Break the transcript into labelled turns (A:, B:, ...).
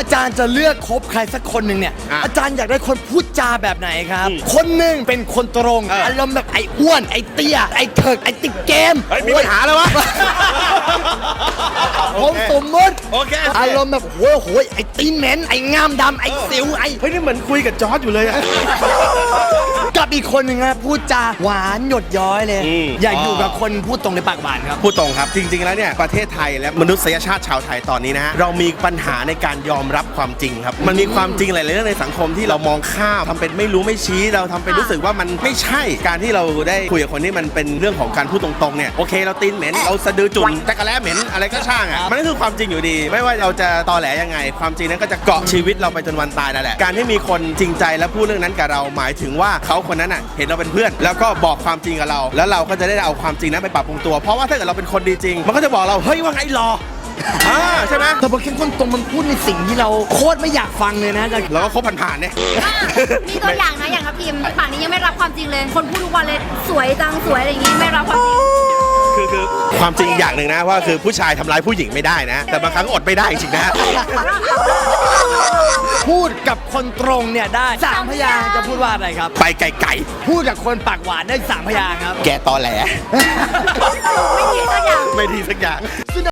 A: อาจารย์จะเลือกคบใครสักคนหนึ่งเนี่ยอาจารย์อยากได้คนพูดจาแบบไหนครับคนหนึ่งเป็นคนตรงอารมณ์แบบไอ้อ้วนไอ้เตี้ยไอ้เถิกไอ้ติดเกม
B: มีปัญหาแล้ววะ
A: ผมสมมติอารมณ์แบบโหยไอ้ตีนเหม็นไอ้งามดำไอ้สิวไอ้
B: เฮ้ยนี่เหมือนคุยกับจอร์จอยู่เลยอะ
A: กับอีกคนหนึ่งนะพูดจาหวานหยดย้อยเลยอยากอยู่กับคนพูดตรงในปากหวานครับ
B: พูดตรงครับจริงๆแล้วเนี่ยประเทศไทยและมนุษยชาติชาวไทยตอนนี้นะฮะเรามีปัญหาในการยอมรับความจริงครับมันมีความจริงหลายๆเรื่องในสังคมที่เรามองข้ามทำเป็นไม่รู้ไม่ชี้เราทำเป็นรู้สึกว่ามันไม่ใช่การที่เราได้คุยกับคนที่มันเป็นเรื่องของการพูดตรงๆเนี่ยโอเคเราตีนเหม็นเราสะดือจุ่นจักรแล้เหม็นอะไรก็ช่างอ่ะมันก็คือความจริงอยู่ดีไม่ว่าเราจะตอแหลยังไงความจริงนั้นก็จะเกาะชีวิตเราไปจนวันตายนั่นแหละการที่มีคนจริงใจและพูดเรื่องนั้นกับเราหมายถึงว่าเขาคนนั้นอ่ะเห็นเราเป็นเพื่อนแล้วก็บอกความจริงกับเราแล้วเราก็จะได้เอาความจริงนั้นไปปรับปรุงตัวเพราะว่าถ้าเกิดเราเป็นคนดีจริงมันก็จะบอกเราเฮ้ยว่าไงรอใช่ไหม
A: แต่พอเข้มข้นตรงมันพูดในสิ่งที่เราโคตรไม่อยากฟังเลยนะ
B: เราก็คบผ่านๆเนี่ย
C: มีตัวอย่างนะอย่างทัพทิมฝั่งนี้ยังไม่รับความจริงเลยคนพูดทุกวันเลยสวยจังสวยอะไรอย่างงี้ไม่รับความจริง
B: คือความจริงอย่างหนึ่งนะว่าคือผู้ชายทำร้ายผู้หญิงไม่ได้นะแต่บางครั้งอดไม่ได้จริงๆนะ
A: พูดกับคนตรงเนี่ยได้3 พยางค์จะพูดว่าอะไรครับ
B: ไปไกล
A: ๆพูดกับคนปากหวานได้3 พยางค์ครับ
B: แกตอแหล
C: ไม่ดีสักอย่าง
B: ไม่ดีสักอย่าง